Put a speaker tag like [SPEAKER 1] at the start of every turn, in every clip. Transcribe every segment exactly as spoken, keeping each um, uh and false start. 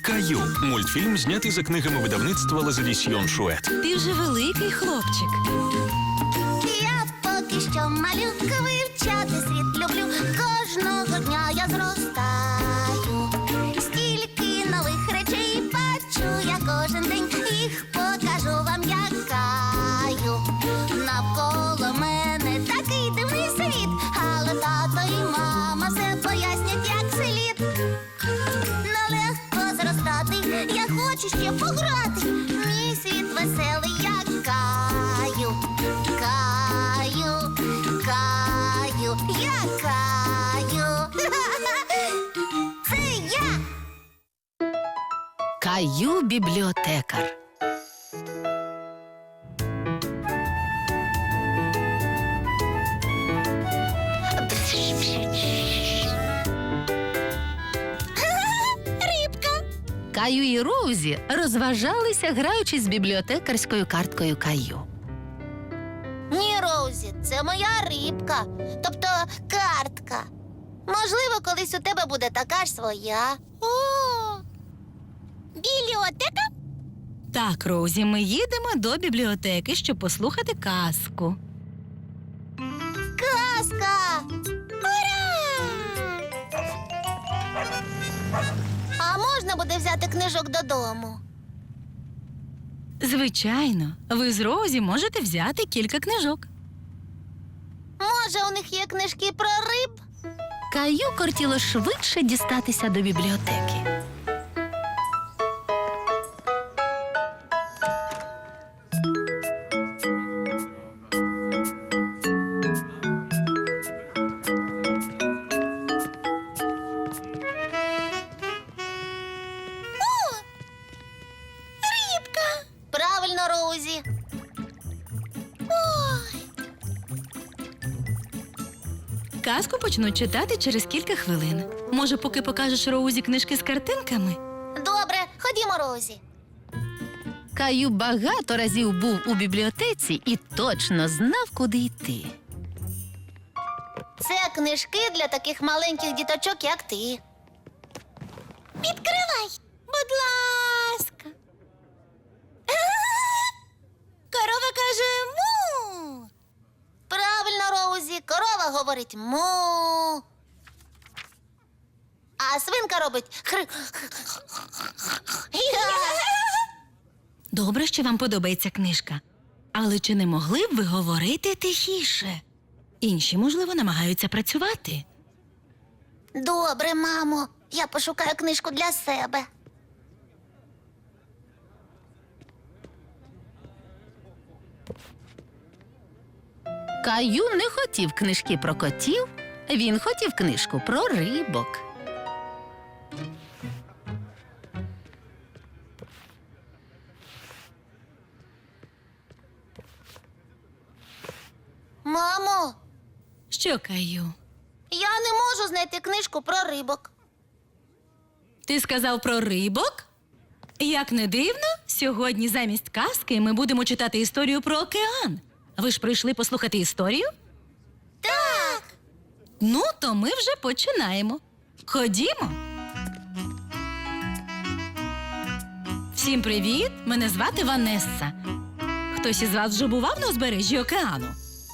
[SPEAKER 1] Каю. Мультфільм знятий за книгами видавництва Лазадісьйон Шует.
[SPEAKER 2] Ти вже великий хлопчик.
[SPEAKER 3] Я поки що малюка, вивчати світ люблю. Кожного дня я зростаю. Стільки нових речей бачу я кожен день. Їх покажу вам, як Каю. Навколо мене такий дивний світ. Але тато і мама все пояснять, як слід. Нелегко зростати, я хочу ще пограти. Мій світ веселий, як Каю. Каю, Каю, я Каю. Це я.
[SPEAKER 2] Каю бібліотекар.
[SPEAKER 3] Рибка.
[SPEAKER 2] Каю і Роузі розважалися, граючи з бібліотекарською карткою Каю.
[SPEAKER 3] Ні, Роузі, це моя рибка, тобто картка. Можливо, колись у тебе буде така ж своя. О, бібліотека?
[SPEAKER 2] Так, Роузі, ми їдемо до бібліотеки, щоб послухати казку.
[SPEAKER 3] Казка! Ура! А можна буде взяти книжок додому?
[SPEAKER 2] Звичайно, ви з Роузі можете взяти кілька книжок.
[SPEAKER 3] Може, у них є книжки про риб?
[SPEAKER 2] Каю кортіло швидше дістатися до бібліотеки.
[SPEAKER 3] Рибка! Правильно, Роузі. Ой,
[SPEAKER 2] Казку почнуть читати через кілька хвилин. Може, поки покажеш Роузі книжки з картинками?
[SPEAKER 3] добре, ходімо, Роузі.
[SPEAKER 2] Каю багато разів був у бібліотеці і точно знав, куди йти.
[SPEAKER 3] Це книжки для таких маленьких діточок, як ти. Відкривай, будь ласка. Корова каже му. Правильно, Роузі, корова говорить му. А свинка робить хр.
[SPEAKER 2] Добре, що вам подобається книжка. Але чи не могли б ви говорити тихіше? Інші, можливо, намагаються працювати.
[SPEAKER 3] Добре, мамо. Я пошукаю книжку для себе.
[SPEAKER 2] Каю не хотів книжки про котів, він хотів книжку про рибок.
[SPEAKER 3] Мамо,
[SPEAKER 2] Що, Каю?
[SPEAKER 3] я не можу знайти книжку про рибок.
[SPEAKER 2] Ти сказав про рибок? Як не дивно, сьогодні замість казки ми будемо читати історію про океан. Ви ж прийшли послухати історію?
[SPEAKER 3] Так.
[SPEAKER 2] Ну, то ми вже починаємо. Ходімо. Всім привіт! Мене звати Ванесса. Хтось із вас вже бував на узбережжі океану?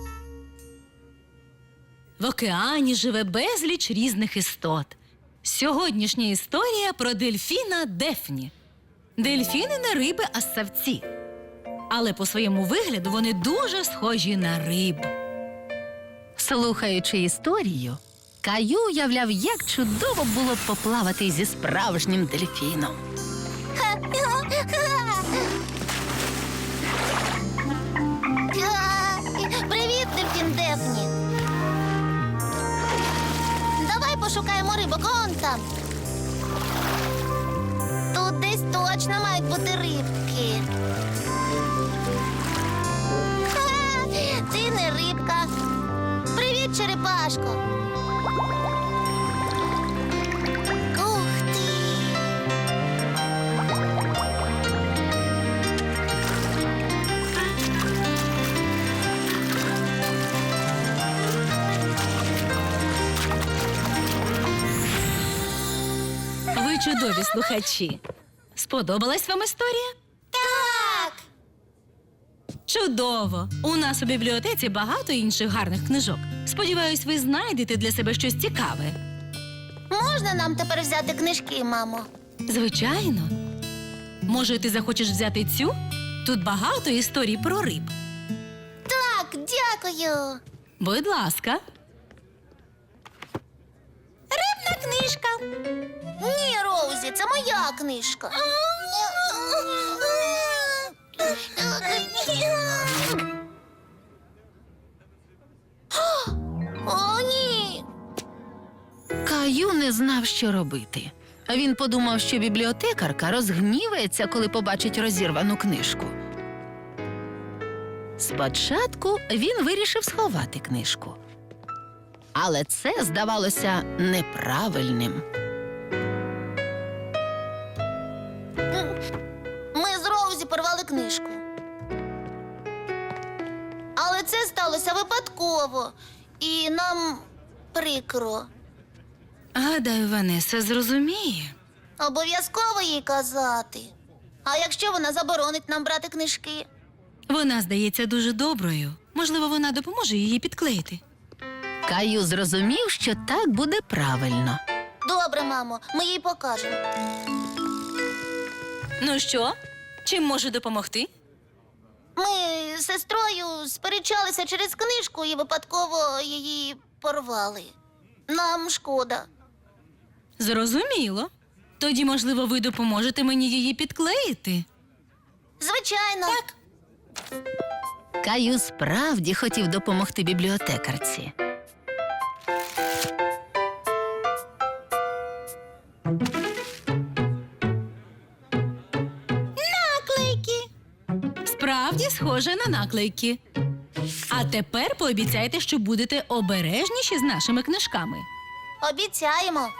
[SPEAKER 2] В океані живе безліч різних істот. Сьогоднішня історія про дельфіна Дефні. Дельфіни не риби, а ссавці. Але по своєму вигляду вони дуже схожі на риб. Слухаючи історію, Каю уявляв, як чудово було б поплавати зі справжнім дельфіном.
[SPEAKER 3] Привіт, дельфін Дефні. Давай пошукаємо рибок, он там. Тут десь точно мають бути рибки. Ха, ти не рибка. Привіт, черепашко. Ух ти.
[SPEAKER 2] Ви чудові слухачі. Сподобалась вам історія?
[SPEAKER 3] Так!
[SPEAKER 2] Чудово! У нас у бібліотеці багато інших гарних книжок. Сподіваюсь, ви знайдете для себе щось цікаве.
[SPEAKER 3] Можна нам тепер взяти книжки, мамо?
[SPEAKER 2] Звичайно. Може, ти захочеш взяти цю? Тут багато історій про риб.
[SPEAKER 3] Так, дякую.
[SPEAKER 2] Будь ласка.
[SPEAKER 3] Рибна книжка. Ні, Роузі, це моя книжка. О, ні.
[SPEAKER 4] Каю не знав, що робити. Він подумав, що бібліотекарка розгнівається, коли побачить розірвану книжку. Спочатку він вирішив сховати книжку. Але це здавалося неправильним.
[SPEAKER 3] Ми з Роузі порвали книжку. Але це сталося випадково. І нам прикро.
[SPEAKER 2] Гадаю, Ванеса зрозуміє.
[SPEAKER 3] Обов'язково їй казати. А якщо вона заборонить нам брати книжки?
[SPEAKER 2] Вона здається дуже доброю. Можливо, вона допоможе її підклеїти.
[SPEAKER 4] Каю зрозумів, що так буде правильно.
[SPEAKER 3] Добре, мамо, ми їй покажемо.
[SPEAKER 2] Ну що? Чим можу допомогти?
[SPEAKER 3] Ми з сестрою сперечалися через книжку і випадково її порвали. Нам шкода.
[SPEAKER 2] Зрозуміло. Тоді, можливо, ви допоможете мені її підклеїти.
[SPEAKER 3] Звичайно. Так.
[SPEAKER 4] Каю справді хотів допомогти бібліотекарці.
[SPEAKER 3] Наклейки.
[SPEAKER 2] Справді схоже на наклейки. А тепер пообіцяйте, що будете обережніші з нашими книжками.
[SPEAKER 3] Обіцяємо.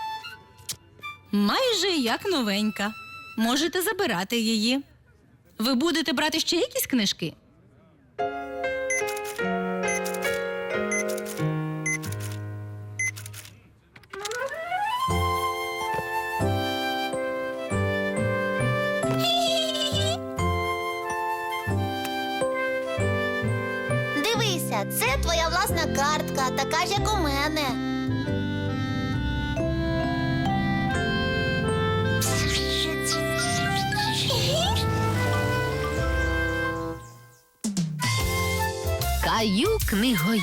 [SPEAKER 2] Майже як новенька. Можете забирати її. Ви будете брати ще якісь книжки?
[SPEAKER 3] Дивися, це твоя власна картка, така ж, як у мене.
[SPEAKER 4] Каю книгоїд.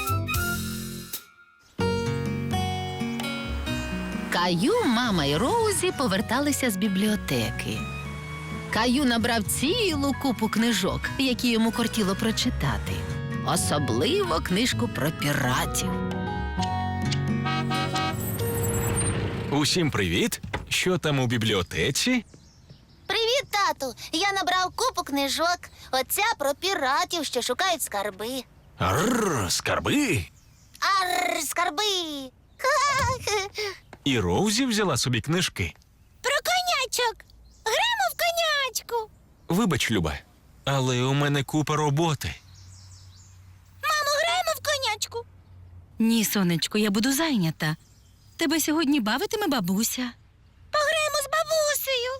[SPEAKER 4] Каю, мама і Роузі поверталися з бібліотеки. Каю набрав цілу купу книжок, які йому кортіло прочитати. Особливо книжку про піратів.
[SPEAKER 1] Усім привіт! Що там у бібліотеці?
[SPEAKER 3] Привіт, тату. Я набрав купу книжок. Оця про піратів, що шукають скарби.
[SPEAKER 1] Арр, скарби!
[SPEAKER 3] Арр, скарби.
[SPEAKER 1] І Роузі взяла собі книжки.
[SPEAKER 3] Про конячок. Граємо в конячку.
[SPEAKER 1] Вибач, Люба, але у мене купа роботи.
[SPEAKER 3] Мамо, граємо в конячку.
[SPEAKER 2] Ні, сонечко, я буду зайнята. Тебе сьогодні бавитиме бабуся.
[SPEAKER 3] Пограємо з бабусею.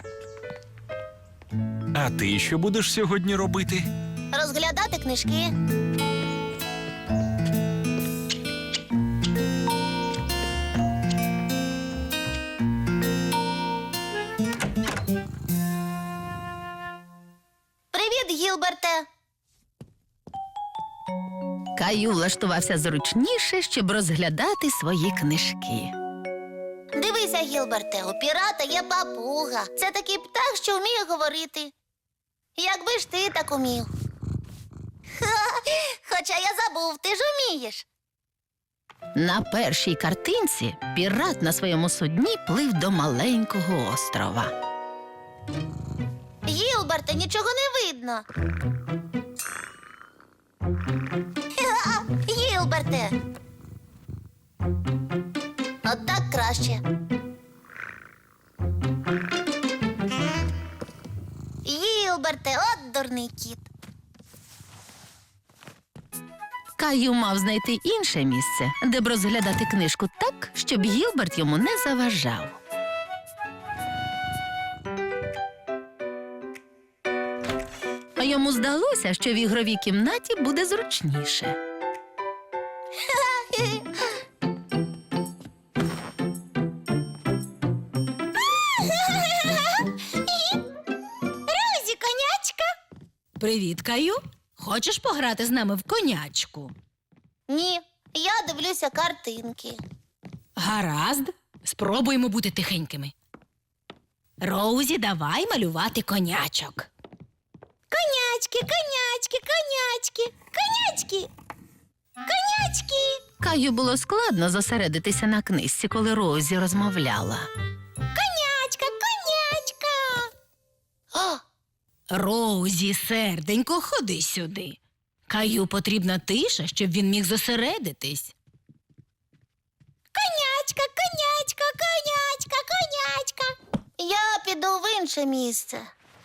[SPEAKER 1] А ти що будеш сьогодні робити?
[SPEAKER 3] Розглядати книжки. Привіт, Гілберте.
[SPEAKER 4] Каю влаштувався зручніше, щоб розглядати свої книжки.
[SPEAKER 3] Дивися, Гілберте, у пірата є папуга. Це такий птах, що вміє говорити. Якби ж ти так умів. Ха, хоча я забув, ти ж умієш.
[SPEAKER 4] На першій картинці пірат на своєму судні плив до маленького острова.
[SPEAKER 3] Гілберте, нічого не видно. Ха, Гілберте. От так краще. Гілберте, от дурний кіт.
[SPEAKER 4] Каю мав знайти інше місце, де б розглядати книжку так, щоб Гілберт йому не заважав. Йому здалося, що в ігровій кімнаті буде зручніше.
[SPEAKER 3] Розі, конячка.
[SPEAKER 2] Привіт, Каю. Хочеш пограти з нами в конячку?
[SPEAKER 3] Ні, я дивлюся картинки.
[SPEAKER 2] Гаразд, спробуємо бути тихенькими. Роузі, давай малювати конячок.
[SPEAKER 3] Конячки, конячки, конячки, конячки, конячки.
[SPEAKER 4] Каю було складно зосередитися на книжці, коли Розі розмовляла.
[SPEAKER 3] Конячка, конячка. О,
[SPEAKER 2] Роузі, серденько, ходи сюди. Каю потрібна тиша, щоб він міг зосередитись.
[SPEAKER 3] конячка, конячка, конячка, конячка. Я піду в інше місце.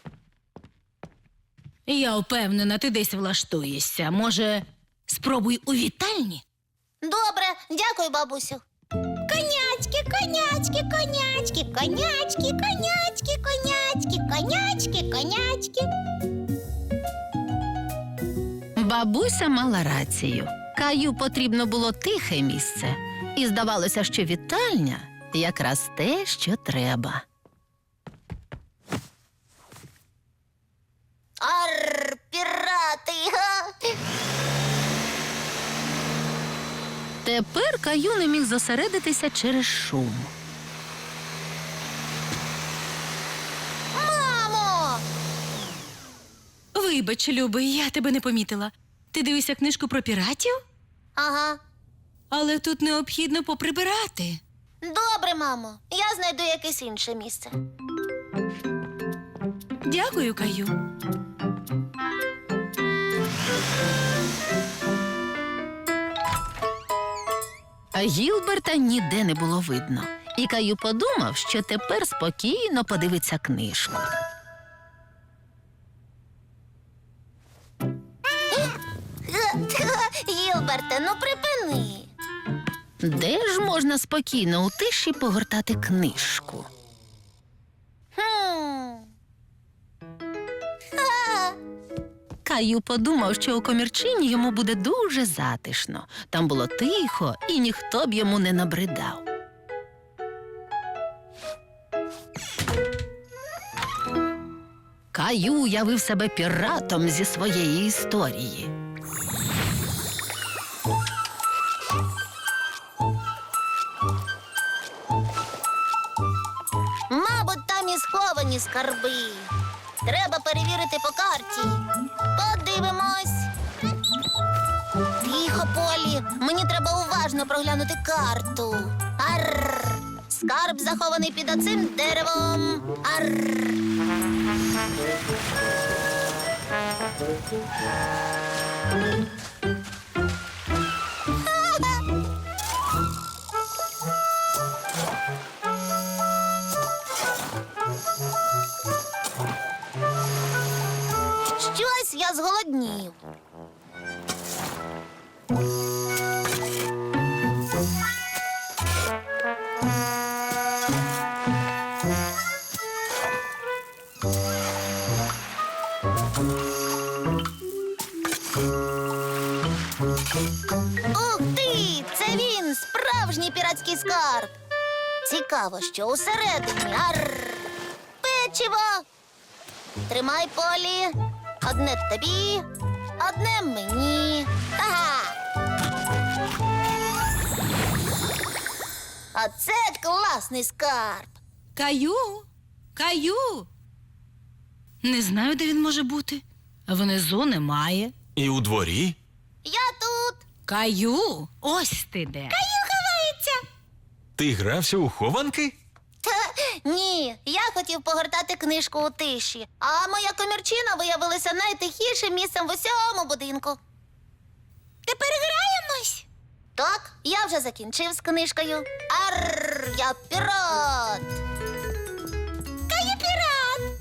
[SPEAKER 2] Я впевнена, ти десь влаштуєшся. Може, спробуй у вітальні?
[SPEAKER 3] Добре, дякую, бабусю. Конячки, конячки, конячки, конячки, конячки, конячки, конячки, конячки.
[SPEAKER 4] Бабуся мала рацію. Каю потрібно було тихе місце. І здавалося, що вітальня якраз те, що треба.
[SPEAKER 3] Арр, пірати. Га.
[SPEAKER 4] Тепер Каю не міг зосередитися через шум.
[SPEAKER 3] Мамо!
[SPEAKER 2] Вибач, любий, я тебе не помітила. Ти дивишся книжку про піратів?
[SPEAKER 3] Ага.
[SPEAKER 2] Але тут необхідно поприбирати.
[SPEAKER 3] Добре, мамо. Я знайду якесь інше місце.
[SPEAKER 2] Дякую, Каю.
[SPEAKER 4] А Гілберта ніде не було видно. І Каю подумав, що тепер спокійно подивиться книжку.
[SPEAKER 3] Гілберте, ну припини.
[SPEAKER 4] Де ж можна спокійно у тиші погортати книжку?
[SPEAKER 3] Хм. Ха.
[SPEAKER 4] Каю подумав, що у комірчині йому буде дуже затишно. Там було тихо, і ніхто б йому не набридав. Каю уявив себе піратом зі своєї історії.
[SPEAKER 3] Мабуть, там і сховані скарби. Треба перевірити по карті. Подивимось. Тихо, Полі. Мені треба уважно проглянути карту. Арр. Скарб захований під оцим деревом. Арр. Щось я зголоднів. Ух ти! Це він! Справжній піратський скарб! Цікаво, що усередині. Арр! Печиво! Тримай, Полі. Одне тобі, одне мені. Ага! Оце класний скарб!
[SPEAKER 2] Каю! Каю! Не знаю, де він може бути. Внизу немає.
[SPEAKER 1] І у дворі?
[SPEAKER 3] Я тут!
[SPEAKER 2] Каю! Ось ти де.
[SPEAKER 3] Каю ховається!
[SPEAKER 1] Ти грався у хованки?
[SPEAKER 3] Та, ні, я хотів погортати книжку у тиші, а моя комірчина виявилася найтихішим місцем в усьому будинку. Тепер граємось? Так, я вже закінчив з книжкою. Арр, я пірат! Каю пірат!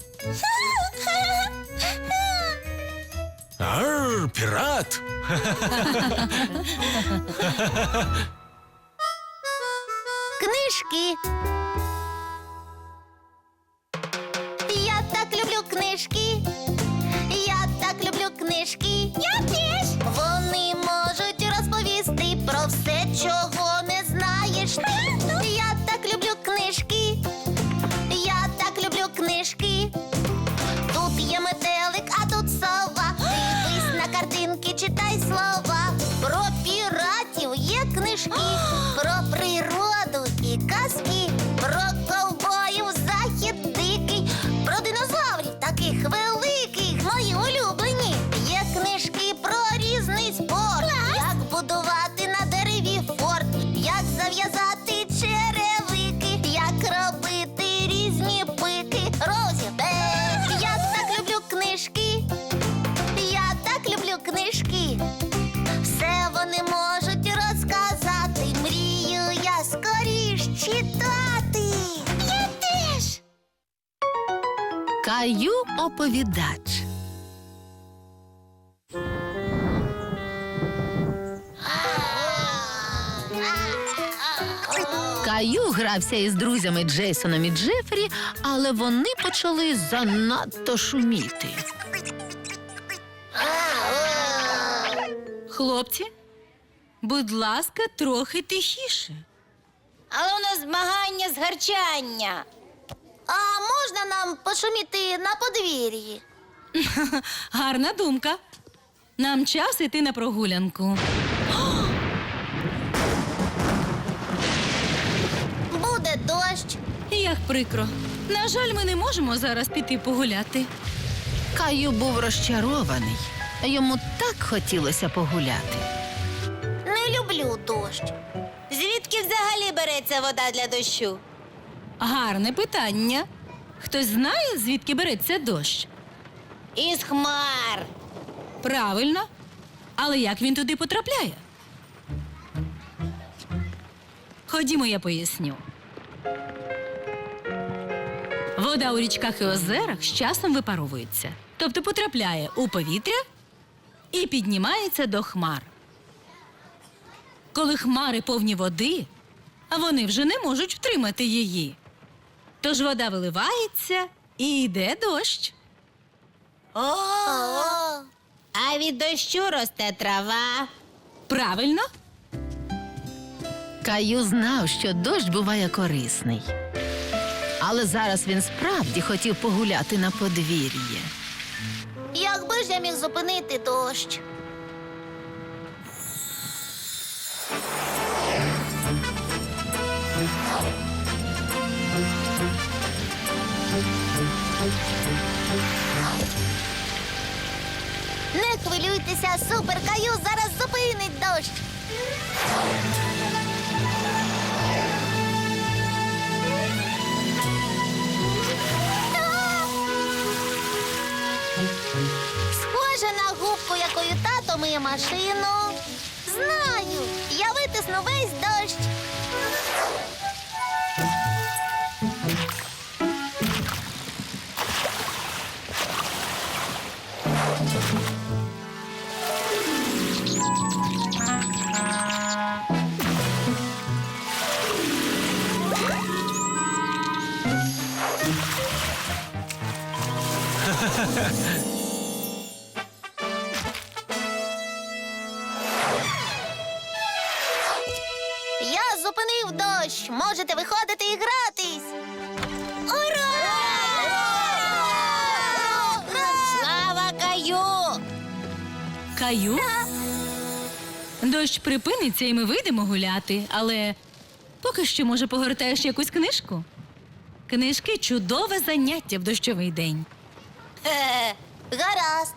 [SPEAKER 1] Арр, пірат!
[SPEAKER 3] Книжки. Я так люблю книжки. Я так
[SPEAKER 4] Каю оповідач. Каю грався із друзями Джейсоном і Джефрі, але вони почали занадто шуміти.
[SPEAKER 2] Хлопці, будь ласка, трохи тихіше.
[SPEAKER 3] Але у нас змагання з гарчання. А можна нам пошуміти на подвір'ї?
[SPEAKER 2] Гарна думка. Нам час іти на прогулянку.
[SPEAKER 3] Буде дощ.
[SPEAKER 2] Як прикро. На жаль, ми не можемо зараз піти погуляти.
[SPEAKER 4] Каю був розчарований. Йому так хотілося погуляти.
[SPEAKER 3] Не люблю дощ. Звідки взагалі береться вода для дощу?
[SPEAKER 2] Гарне питання. Хтось знає, звідки береться дощ?
[SPEAKER 3] Із хмар.
[SPEAKER 2] Правильно. Але як він туди потрапляє? Ходімо, я поясню. Вода у річках і озерах з часом випаровується. Тобто потрапляє у повітря і піднімається до хмар. Коли хмари повні води, а вони вже не можуть втримати її. Тож вода виливається і йде дощ.
[SPEAKER 3] О! А від дощу росте трава.
[SPEAKER 2] Правильно?
[SPEAKER 4] Каю знав, що дощ буває корисний. Але зараз він справді хотів погуляти на подвір'ї.
[SPEAKER 3] Якби ж я міг зупинити дощ? Не хвилюйтеся, Супер Каю зараз зупинить дощ. Схоже на губку, якою тато миє машину. Знаю, я витисну весь дощ. Я зупинив дощ. Можете виходити і гратись. Ура! Слава Каю!
[SPEAKER 2] Каю? Дощ припиниться, і ми вийдемо гуляти, але поки що, може, погортаєш якусь книжку? Книжки – чудове заняття в дощовий день.
[SPEAKER 3] Е, гаразд.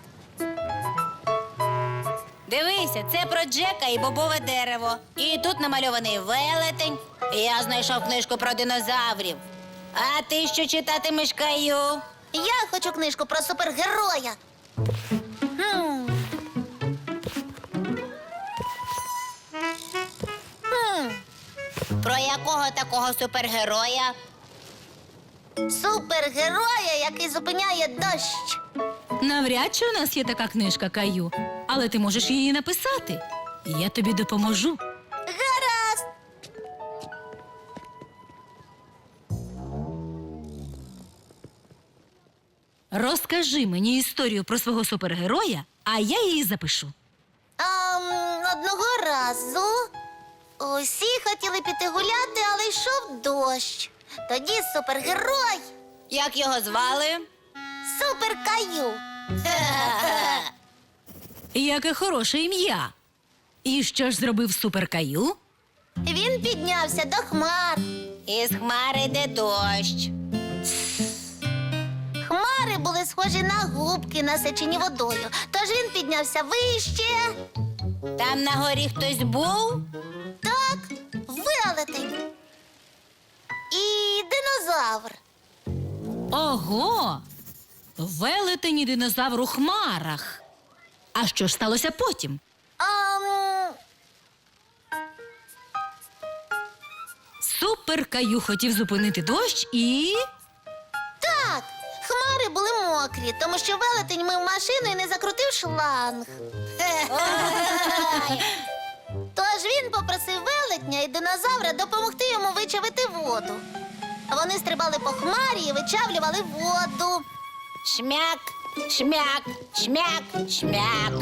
[SPEAKER 3] Дивися, це про Джека і бобове дерево. І тут намальований велетень. Я знайшов книжку про динозаврів. А ти що читатимеш, Каю? Я хочу книжку про супергероя. Хм. Хм. Про якого такого супергероя? Супергероя, який зупиняє дощ.
[SPEAKER 2] Навряд чи у нас є така книжка, Каю, але ти можеш її написати. І я тобі допоможу.
[SPEAKER 3] Гаразд.
[SPEAKER 2] Розкажи мені історію про свого супергероя, а я її запишу.
[SPEAKER 3] Ам, одного разу усі хотіли піти гуляти, але йшов дощ. Тоді супергерой. Як його звали? Супер Каю.
[SPEAKER 2] Яке хороше ім'я. І що ж зробив супер Каю?
[SPEAKER 3] Він піднявся до хмар. Із хмари йде дощ. Хмари були схожі на губки, насичені водою. Тож він піднявся вище. Там на горі хтось був? Так, велетень. І динозавр.
[SPEAKER 2] Ого! Велетень і динозавр у хмарах. А що ж сталося потім?
[SPEAKER 3] Ам...
[SPEAKER 2] Супер Каю хотів зупинити дощ і...
[SPEAKER 3] Так, хмари фари були мокрі, тому що велетень мив машину і не закрутив шланг. Тож він попросив велетня і динозавра допомогти йому вичавити воду. Вони стрибали по хмарі і вичавлювали воду. Шмяк, шмяк, шмяк, шмяк.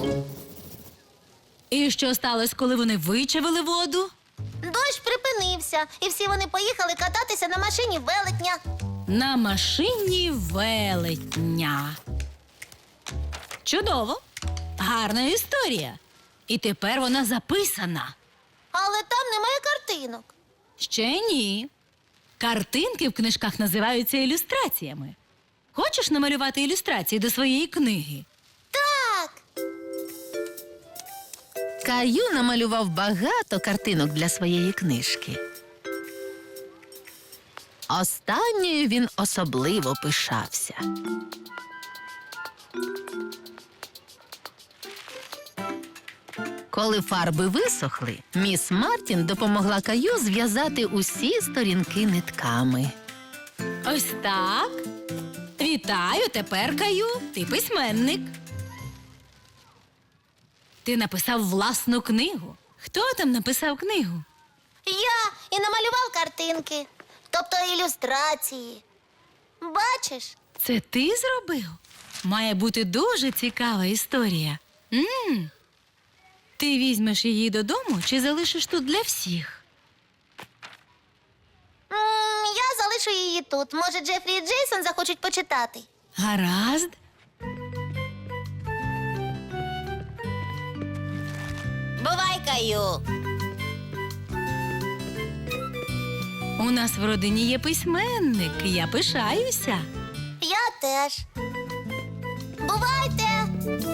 [SPEAKER 2] І що сталося, коли вони вичавили воду?
[SPEAKER 3] Дощ припинився, і всі вони поїхали кататися на машині велетня.
[SPEAKER 2] На машині велетня. Чудово! Гарна історія. І тепер вона записана.
[SPEAKER 3] Але там немає картинок.
[SPEAKER 2] Ще ні. Картинки в книжках називаються ілюстраціями. Хочеш намалювати ілюстрації до своєї книги?
[SPEAKER 3] Так,
[SPEAKER 4] Каю намалював багато картинок для своєї книжки. Останньою він особливо пишався. Коли фарби висохли, міс Мартін допомогла Каю зв'язати усі сторінки нитками.
[SPEAKER 2] Ось так. Вітаю, тепер, Каю, ти письменник. Ти написав власну книгу. Хто там написав книгу?
[SPEAKER 3] я і намалював картинки, тобто ілюстрації. Бачиш?
[SPEAKER 2] Це ти зробив? Має бути дуже цікава історія. м Ти візьмеш її додому чи залишиш тут для всіх?
[SPEAKER 3] М, я залишу її тут. Може, Джефрі і Джейсон захочуть почитати.
[SPEAKER 2] Гаразд.
[SPEAKER 3] Бувай, Каю.
[SPEAKER 2] У нас в родині є письменник. Я пишаюся.
[SPEAKER 3] Я теж. Бувайте!